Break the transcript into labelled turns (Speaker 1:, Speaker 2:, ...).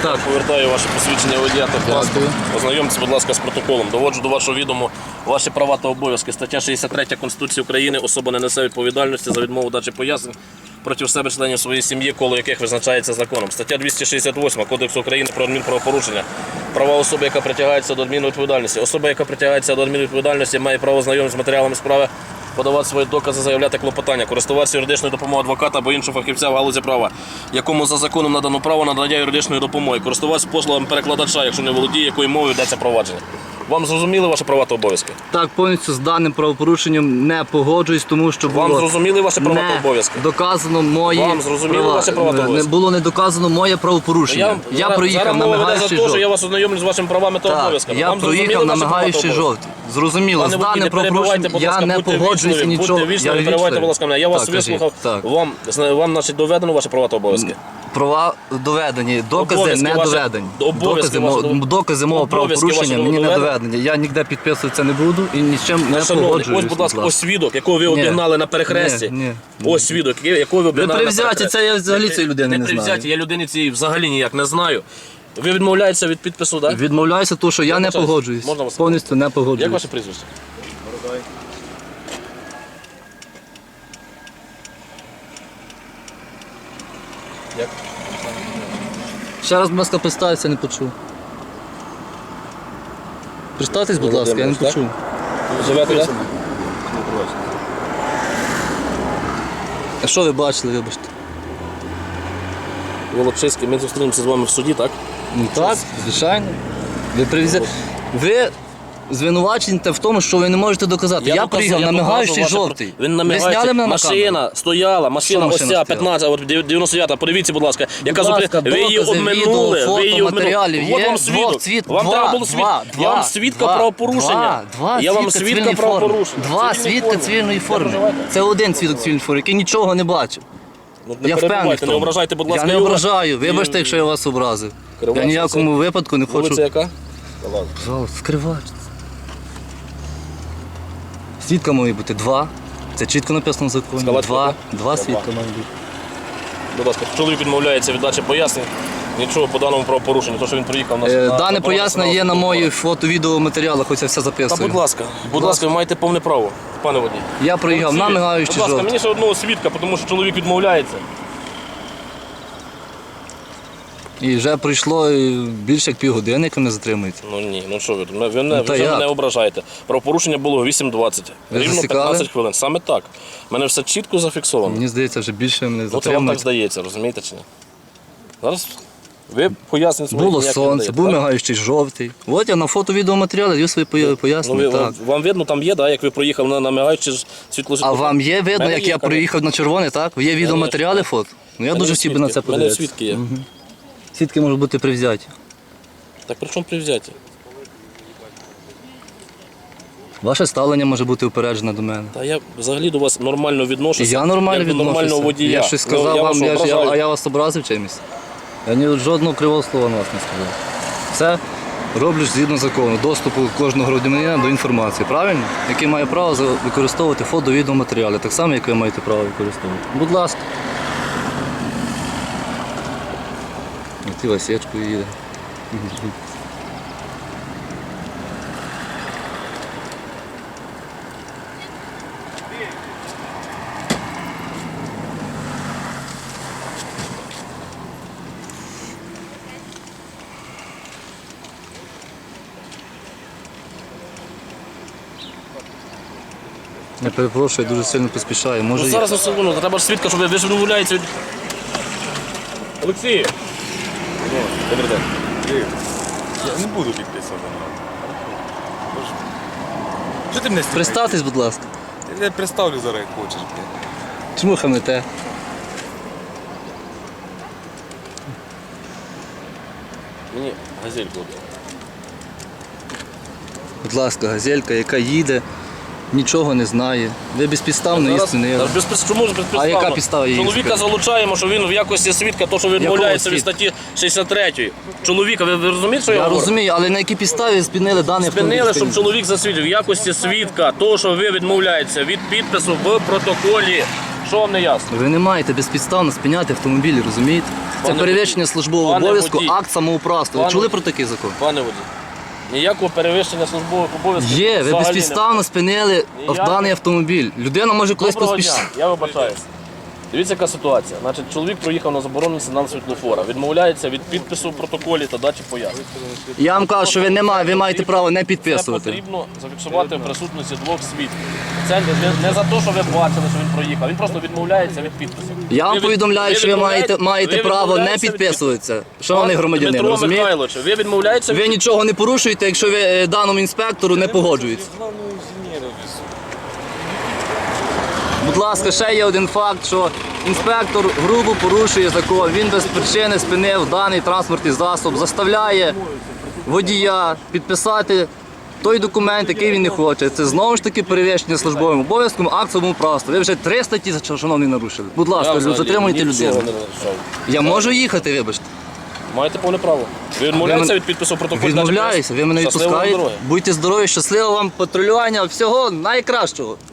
Speaker 1: Так.
Speaker 2: Повертаю ваше посвідчення водія та паспорт.
Speaker 1: Дякую.
Speaker 2: Ознайомтеся, будь ласка, з протоколом. Доводжу до вашого відому ваші права та обов'язки. Стаття 63 Конституції України. Особа не несе відповідальності за відмову дачі пояснень проти себе членів своєї сім'ї, коло яких визначається законом. Стаття 268 Кодексу України про адмінправопорушення. Права особи, яка притягається до адмінвідповідальності. Особа, яка притягається до адмінвідповідальності, має право знайомитися з матеріалами справи, подавати свої докази, заявляти клопотання, користуватися юридичною допомогою адвоката або іншого фахівця в галузі права, якому за законом надано право надання юридичної допомоги, користуватися послугами перекладача, якщо не володіє, якою мовою йдеться провадження. Вам зрозуміли ваші права та обов'язки?
Speaker 1: Так, повністю з даним правопорушенням не погоджуюсь, тому що було
Speaker 2: Вам зрозуміли ваші права та
Speaker 1: не
Speaker 2: обов'язки?
Speaker 1: доказано мої
Speaker 2: Вам зрозуміли
Speaker 1: права.
Speaker 2: ваші права та
Speaker 1: Не
Speaker 2: обов'язки?
Speaker 1: було не доказано моє правопорушення. Я проїхав
Speaker 2: зараз
Speaker 1: на
Speaker 2: мова веде за
Speaker 1: мигаючий
Speaker 2: те, що
Speaker 1: жовтий.
Speaker 2: я вас ознайомлю з вашими правами та
Speaker 1: Так,
Speaker 2: обов'язками.
Speaker 1: я
Speaker 2: Вам зрозуміли
Speaker 1: проїхав на
Speaker 2: ваші права та
Speaker 1: мигаючий
Speaker 2: обов'язки?
Speaker 1: жовтий. Зрозуміло, з
Speaker 2: Пане водій,
Speaker 1: даним
Speaker 2: не перебивайте,
Speaker 1: правопорушенням
Speaker 2: будь
Speaker 1: я
Speaker 2: ласка,
Speaker 1: не
Speaker 2: будьте
Speaker 1: погоджуюсь і
Speaker 2: вічливі,
Speaker 1: нічого.
Speaker 2: будьте вічливі,
Speaker 1: Я
Speaker 2: не перебивайте,
Speaker 1: вічливий.
Speaker 2: будь ласка, мене. Я вас
Speaker 1: Так, кажіть.
Speaker 2: вислухав.
Speaker 1: Так.
Speaker 2: Вам, значить, доведено ваші права та обов'язки?
Speaker 1: Права доведені, докази
Speaker 2: Обов'язки
Speaker 1: не
Speaker 2: ваші-
Speaker 1: доведені.
Speaker 2: обов'язки ваші
Speaker 1: Докази мого
Speaker 2: обов'язки
Speaker 1: правопорушення
Speaker 2: ваші
Speaker 1: мені не
Speaker 2: доведені?
Speaker 1: доведені. Я ніде підписуватися не буду і нічим не
Speaker 2: Шановний,
Speaker 1: погоджуюсь.
Speaker 2: ось, будь ласка, ось свідок, якого ви обігнали на перехресті.
Speaker 1: Ні.
Speaker 2: Ось свідок, якого ви
Speaker 1: Ви
Speaker 2: обігнали на
Speaker 1: привзяті,
Speaker 2: перехресті.
Speaker 1: це я взагалі цієї людини не
Speaker 2: привзяті,
Speaker 1: знаю.
Speaker 2: я людини цієї взагалі ніяк не знаю. Ви відмовляєтеся від підпису, так?
Speaker 1: Відмовляюся, тому що я не
Speaker 2: вибачаюсь.
Speaker 1: погоджуюсь.
Speaker 2: Можна вас?
Speaker 1: Повністю не
Speaker 2: Як
Speaker 1: погоджуюсь.
Speaker 2: ваше прізвище? Як?
Speaker 1: Ще раз, будь ласка, представтеся, не почув. Представтесь, будь ласка, я не
Speaker 2: Володимир,
Speaker 1: почув.
Speaker 2: Ви живете, так?
Speaker 1: А що ви бачили, вибачте?
Speaker 2: Волочиський, ми зустрінемося з вами в суді, так?
Speaker 1: Ну так, звичайно. Ви привезли. Ви звинувачуєте в тому, що ви не можете доказати. Я приїхав на мигаючий жовтий.
Speaker 2: Він на
Speaker 1: Ви
Speaker 2: мигаючий.
Speaker 1: зняли мене на камеру?
Speaker 2: Машина стояла, машина
Speaker 1: Що
Speaker 2: ось
Speaker 1: машина
Speaker 2: ця,
Speaker 1: стояла?
Speaker 2: 15, от 99, подивіться, будь ласка, яка
Speaker 1: Будь ласка,
Speaker 2: зупинила. Ви її
Speaker 1: докази,
Speaker 2: обминули,
Speaker 1: відео,
Speaker 2: ви її
Speaker 1: фото,
Speaker 2: обминули.
Speaker 1: матеріалів
Speaker 2: От
Speaker 1: є,
Speaker 2: вам свідок. Вам треба було
Speaker 1: я
Speaker 2: вам свідка правопорушення. Я вам свідка правопорушення.
Speaker 1: Два свідка цивільної форми. Це один свідок цивільної форми, який нічого не бачив.
Speaker 2: Ну,
Speaker 1: Я впевнений в тому.
Speaker 2: не ображайте, будь ласка,
Speaker 1: Я не
Speaker 2: його.
Speaker 1: ображаю. Вибачте, якщо я вас образив. Я
Speaker 2: Кривач,
Speaker 1: ніякому випадку не хочу.
Speaker 2: Вулиця яка?
Speaker 1: Пожалуйста, скривач. Свідка має бути два. Це чітко написано в законі.
Speaker 2: Скалацька,
Speaker 1: Два.
Speaker 2: так?
Speaker 1: Два
Speaker 2: Два.
Speaker 1: свідка має бути.
Speaker 2: Будь ласка, чоловік відмовляється від дачі пояснень. Нічого по даному правопорушенню, то що він приїхав на
Speaker 1: Дане пояснення є на моїх фото-відеоматеріалах, ось я все
Speaker 2: Та
Speaker 1: записую.
Speaker 2: будь ласка, ви маєте повне право, пане водій.
Speaker 1: Я проїхав на мигаючий
Speaker 2: Будь ласка,
Speaker 1: жовтий.
Speaker 2: мені ще одного свідка, тому що чоловік відмовляється.
Speaker 1: І вже пройшло більше як півгодини, як ви не затримуєте.
Speaker 2: Ну ні, ну що ви, ви вже
Speaker 1: як?
Speaker 2: мене ображаєте. Правопорушення було о 8:20.
Speaker 1: Ви
Speaker 2: Рівно
Speaker 1: засікали?
Speaker 2: 15 хвилин. Саме так. У мене все чітко зафіксовано.
Speaker 1: Мені здається, вже більше мене
Speaker 2: Ну це вам так
Speaker 1: затримують.
Speaker 2: здається, розумієте чи ні? Зараз ви пояснення свої
Speaker 1: Було
Speaker 2: ніякі не
Speaker 1: сонце,
Speaker 2: даєте,
Speaker 1: був
Speaker 2: так?
Speaker 1: мигаючий жовтий. От я на фото-відеоматеріалі даю свої
Speaker 2: Ну,
Speaker 1: пояснення. Так.
Speaker 2: вам видно, там є, да, як ви проїхали на мигаючи світло.
Speaker 1: А вам є видно,
Speaker 2: Мене
Speaker 1: як
Speaker 2: є,
Speaker 1: я
Speaker 2: конечно.
Speaker 1: проїхав на червоне, так? Є відеоматеріали фото? Ну я дуже хотів би на це
Speaker 2: У мене
Speaker 1: подивитися.
Speaker 2: свідки є.
Speaker 1: Свідки можуть бути привзяті.
Speaker 2: Так при чому привзяті?
Speaker 1: Ваше ставлення може бути упереджене до мене.
Speaker 2: Та я взагалі до вас нормально відношуся.
Speaker 1: Я нормально
Speaker 2: як до нормального
Speaker 1: відношуся.
Speaker 2: водія.
Speaker 1: Я щось сказав
Speaker 2: Ну,
Speaker 1: вам,
Speaker 2: вас ображаю.
Speaker 1: а я вас образив чимось. Я ні жодного кривого слова на вас не сказав. Все роблю згідно закону, доступу кожного громадянина до інформації, правильно? Який має право використовувати фото-відеоматеріали, так само, як ви маєте право використовувати. Будь ласка. Ті ласечкою їде. Я перепрошую, я дуже сильно поспішаю. Може,
Speaker 2: Ну зараз на секунду, треба ж свідка, щоб ви ж відмовляєтеся від... Олексій! Добрий день.
Speaker 3: Я не буду підписувати. Що ти мене знімаєш?
Speaker 1: представтесь, будь ласка.
Speaker 3: Я представлю зараз, як хочеш. блін.
Speaker 1: Чому хамите?
Speaker 2: Мені газельку. дай.
Speaker 1: Будь ласка, газелька, яка їде, нічого не знає. Ви безпідставно її спинили.
Speaker 2: Чому ж безпідставно?
Speaker 1: А яка підстава її
Speaker 2: Чоловіка
Speaker 1: спинити?
Speaker 2: залучаємо, що він в якості свідка, то що відмовляється від
Speaker 1: свідка?
Speaker 2: статті 63. Чоловіка, ви розумієте, що я
Speaker 1: Я
Speaker 2: говорю?
Speaker 1: розумію, але на якій підставі спинили даний
Speaker 2: Спинили,
Speaker 1: автомобіль?
Speaker 2: щоб чоловік засвідчив в якості свідка, того, що ви відмовляєтеся від підпису в протоколі. Що вам не ясно?
Speaker 1: Ви не маєте безпідставно спиняти автомобілі, розумієте? Це
Speaker 2: Пане
Speaker 1: перевищення
Speaker 2: водій.
Speaker 1: службового
Speaker 2: Пане
Speaker 1: обов'язку,
Speaker 2: водій.
Speaker 1: акт самоуправства. Ви
Speaker 2: Пане
Speaker 1: чули
Speaker 2: водій.
Speaker 1: про такий закон?
Speaker 2: Пане водій, ніякого перевищення службових обов'язків
Speaker 1: Є, ви
Speaker 2: взагалі
Speaker 1: безпідставно спинили
Speaker 2: Ніяк.
Speaker 1: даний автомобіль. Людина може колись
Speaker 2: Доброго
Speaker 1: поспішити.
Speaker 2: дня, я вибачаюся. Дивіться, яка ситуація. Значить, чоловік проїхав на заборонений сигнал світлофора, відмовляється від підпису в протоколі та дачі пояснень.
Speaker 1: Я вам кажу, що ви маєте право не
Speaker 2: Це
Speaker 1: підписувати.
Speaker 2: потрібно зафіксувати в присутності двох свідків. Це не за те, що ви бачили, що він проїхав, він просто відмовляється від підпису.
Speaker 1: Я вам
Speaker 2: Ви
Speaker 1: повідомляю, що ви маєте
Speaker 2: ви
Speaker 1: право не
Speaker 2: відмовляєтеся від
Speaker 1: підписуватися. Шановний громадянин,
Speaker 2: Дмитро
Speaker 1: розумієте?
Speaker 2: Михайлович, ви відмовляєтеся
Speaker 1: Ви нічого не порушуєте, якщо ви даному інспектору не погоджуєтесь.
Speaker 3: Главного інженера везу.
Speaker 1: Будь ласка, ще є один факт, що інспектор грубо порушує закон. Він без причини спинив даний транспортний засіб, заставляє водія підписати той документ, який він не хоче. Це знову ж таки перевищення службовим обов'язком, акт самоуправства. Ви вже 3 статті, шановний, нарушили. Будь ласка, затримуйте людину. Я можу їхати, вибачте.
Speaker 2: Маєте повне право. Ви відмовляєтеся від підпису в протоколі?
Speaker 1: Відмовляюся, ви мене
Speaker 2: Щасливої
Speaker 1: відпускаєте.
Speaker 2: дороги.
Speaker 1: Будьте здорові, щасливого вам патрулювання, всього найкращого.